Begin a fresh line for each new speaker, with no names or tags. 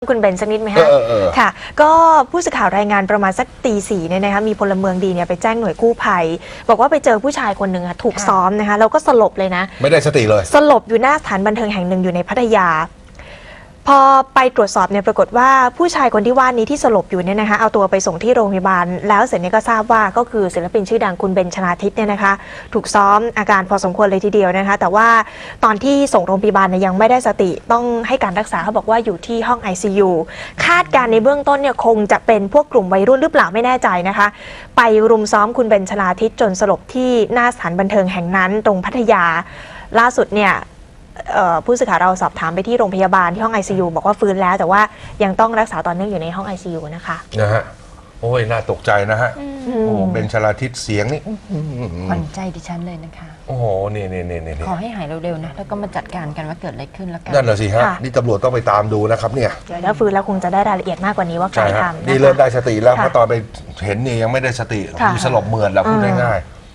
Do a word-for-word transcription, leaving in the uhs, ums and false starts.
คุณเบนสักนิดไหมคะค่ะก็ผู้สื่อข่าวรายงานประมาณสักตีสี่เนี่ยนะคะมีพลเมืองดีเนี่ยไปแจ้งหน่วยกู้ภัยบอกว่าไปเจอผู้ชายคนหนึ่งถูกซ้อมนะคะแล้วก็สลบเลยนะ
ไม่ได้สติเลย
สลบอยู่หน้าสถานบันเทิงแห่งหนึ่งอยู่ในพัทยาพอไปตรวจสอบเนี่ยปรากฏว่าผู้ชายคนที่ว่านี้ที่สลบอยู่เนี่ยนะคะเอาตัวไปส่งที่โรงพยาบาลแล้วเสร็จเนี่ยก็ทราบว่าก็คือศิลปินชื่อดังคุณเบนชนาทิพย์เนี่ยนะคะถูกซ้อมอาการพอสมควรเลยทีเดียวนะคะแต่ว่าตอนที่ส่งโรงพยาบาลเนี่ยยังไม่ได้สติต้องให้การรักษาเขาบอกว่าอยู่ที่ห้อง ไอ ซี ยู คาดการในเบื้องต้นเนี่ยคงจะเป็นพวกกลุ่มวัยรุ่นหรือเปล่าไม่แน่ใจนะคะไปรุมซ้อมคุณเบนชนาทิพย์จนสลบที่หน้าสถานบันเทิงแห่งนั้นตรงพัทยาล่าสุดเนี่ยผู้สื่อข่าวเราสอบถามไปที่โรงพยาบาลที่ห้อง ไอ ซี ยู บอกว่าฟื้นแล้วแต่ว่ายังต้องรักษาต่อเนื่องอยู่ในห้อง ไอ ซี ยู นะคะ
นะฮะโอ้ยน่าตกใจนะฮะโอ้เบนชลาทิศเสียงนี่
ขวัญใจดิฉันเลยนะคะ
โอ้โหนี่นี่นี่นี่
ขอให้หายเร็วๆนะแล้วก็มาจัดการกันว่าเกิดอะไรขึ้นแล้วกัน
นั่นแหละสิฮะนี่ตำรวจต้องไปตามดูนะครับเนี่ย
เดี๋ยวถ้าฟื้นแล้วคงจะได้รายละเอียดมากกว่านี้ว่าใครทำ
นี่เริ่มได้สติแล้วเพราะตอนไปเห็นนี่ยังไม่ได้สติมีสลบเหมือดแล้วพูดง่ายๆ